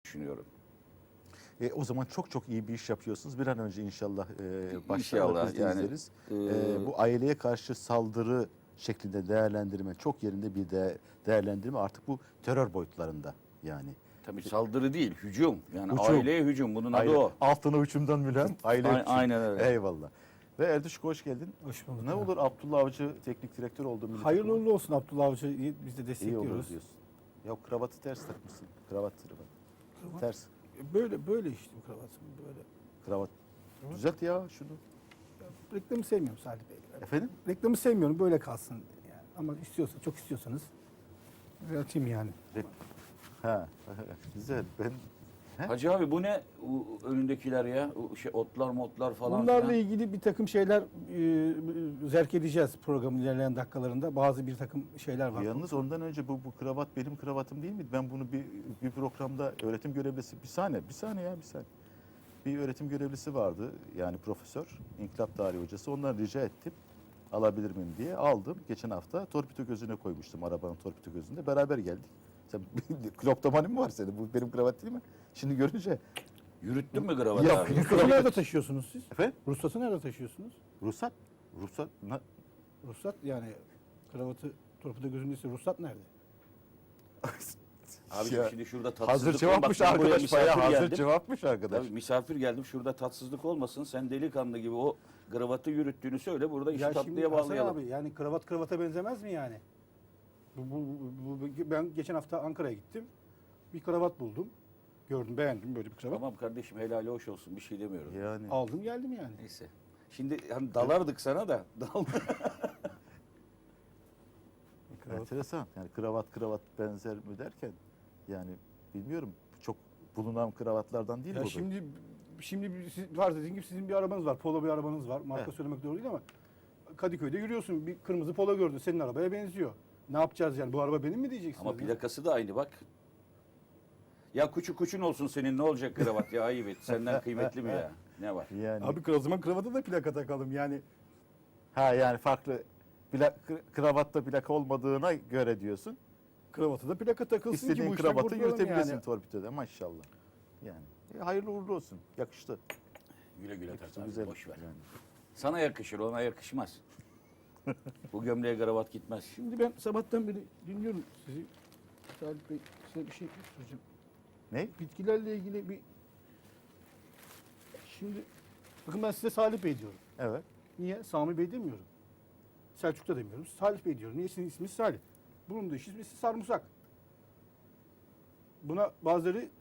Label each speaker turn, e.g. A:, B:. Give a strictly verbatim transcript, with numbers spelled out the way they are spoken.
A: düşünüyorum.
B: E, o zaman çok çok iyi bir iş yapıyorsunuz. Bir an önce inşallah e, başlarız,
A: İnşallah
B: biz de
A: yani,
B: izleriz.
A: e,
B: E, bu aileye karşı saldırı şeklinde değerlendirme çok yerinde bir de değerlendirme artık bu terör boyutlarında yani.
A: Tabii saldırı değil, hücum. Yani
B: Hücum.
A: aileye hücum. Bunun adı
B: Aile,
A: o.
B: altına hücumdan mülen aile
A: A-
B: hücum.
A: aynen öyle.
B: Eyvallah. Ve Erduşko hoş geldin.
C: Hoş bulduk.
B: Ne
C: abi.
B: olur Abdullah Avcı teknik direktör oldu. milli
C: Hayırlı
B: takıma.
C: uğurlu olsun Abdullah Avcı'yı biz de
B: İyi olur
C: destekliyoruz.
B: diyorsun. Ya kravatı ters takmışsın. Kravat kravat.
C: Kravat.
B: Ters.
C: Böyle böyle işte bu kravatım böyle.
B: Kravat. Düzelt ya şunu.
C: Reklamı sevmiyorum Salih Bey.
B: Efendim?
C: Reklamı sevmiyorum böyle kalsın yani. Ama istiyorsa çok istiyorsanız açayım yani.
B: Ha. Güzel. Ben He?
A: Hacı abi bu ne o önündekiler ya? O şey otlar motlar falan
C: Bunlarla
A: filan.
C: ilgili bir takım şeyler e, zerk edeceğiz programın ilerleyen dakikalarında. Bazı bir takım şeyler var.
B: Yalnız ondan önce bu, bu kravat benim kravatım değil miydi? Ben bunu bir, bir programda öğretim görevlisi bir saniye bir saniye ya bir saniye. Bir öğretim görevlisi vardı yani profesör, inkılap tarihi hocası. Ondan rica ettim alabilir miyim diye aldım. Geçen hafta torpido gözüne koymuştum arabanın torpido gözünde. Beraber geldik. Sen kloptomani mi var senin? Bu benim kravat değil mi? Şimdi görünce
A: Yürüttün mü kravatı
B: Yok,
A: abi?
C: Ruhsatı nerede taşıyorsunuz siz?
B: efendim
C: Ruhsatı nerede taşıyorsunuz?
B: ruhsat ruhsat na-
C: Ruhsat yani kravatı torpido gözündeyse ruhsat nerede?
A: Abi
B: Ya,
A: şimdi şurada tatsızlık
B: hazır cevapmış
A: olmasın. Ben buraya
B: arkadaş bayağı
A: misafir
B: hazır
A: geldim.
B: cevapmış arkadaş.
A: Tabii misafir geldim. Şurada tatsızlık olmasın. Sen delikanlı gibi o kravatı yürüttüğünü söyle. Burada işi
C: Ya şimdi
A: tatlıya
C: Hasan
A: bağlayalım.
C: abi yani kravat kravata benzemez mi yani? Bu, bu, bu, bu- ben geçen hafta Ankara'ya gittim. Bir kravat buldum. Gördüm, beğendim böyle bir kravat.
A: Tamam kardeşim helali hoş olsun. Bir şey demiyorum.
B: Yani
C: Aldım geldim yani.
A: Neyse. Şimdi hani dalardık sana da. Dal.
C: Kravat.
B: enteresan. Yani kravat kravat benzer mi derken yani bilmiyorum çok bulunan kravatlardan değil
C: Ya
B: bu. da.
C: şimdi şimdi bir- siz, var dediğin gibi sizin bir arabanız var. Polo bir arabanız var. Marka
B: Evet.
C: söylemek doğru değil ama Kadıköy'de yürüyorsun. Bir kırmızı polo gördün. Senin arabaya benziyor. Ne yapacağız yani? Bu araba benim mi diyeceksiniz?
A: Ama
C: ya?
A: plakası da aynı bak. Ya kuçu kuçun olsun senin ne olacak kravat ya ayıp et. Senden kıymetli mi ya? Ne var?
B: Yani
C: Abi o zaman kravata da plaka takalım yani.
B: ha yani farklı plak, kravatta plaka olmadığına göre diyorsun.
C: Kravata da plaka takılsın ki
B: İstediğin
C: bu işten
B: kravatı
C: kurtulalım
B: yürütebilirsin
C: yani.
B: torpidoda maşallah. Yani e, hayırlı uğurlu olsun. Yakıştı.
A: Güle güle
B: Yakıştı
A: tak abi,
B: güzel.
A: boş ver.
B: Yani.
A: Sana yakışır ona yakışmaz. Bu gömleğe kravat gitmez.
C: Şimdi ben sabahtan beri dinliyorum sizi. Salih Bey size bir şey soracağım.
B: Ne?
C: Bitkilerle ilgili bir... Şimdi bakın ben size Salih Bey diyorum.
B: Evet.
C: Niye? Sami Bey demiyorum. Selçuk da demiyorum. Salih Bey diyorum. Niye? Sizin isminiz Salih. Bunun da ismi sarımsak. Buna bazıları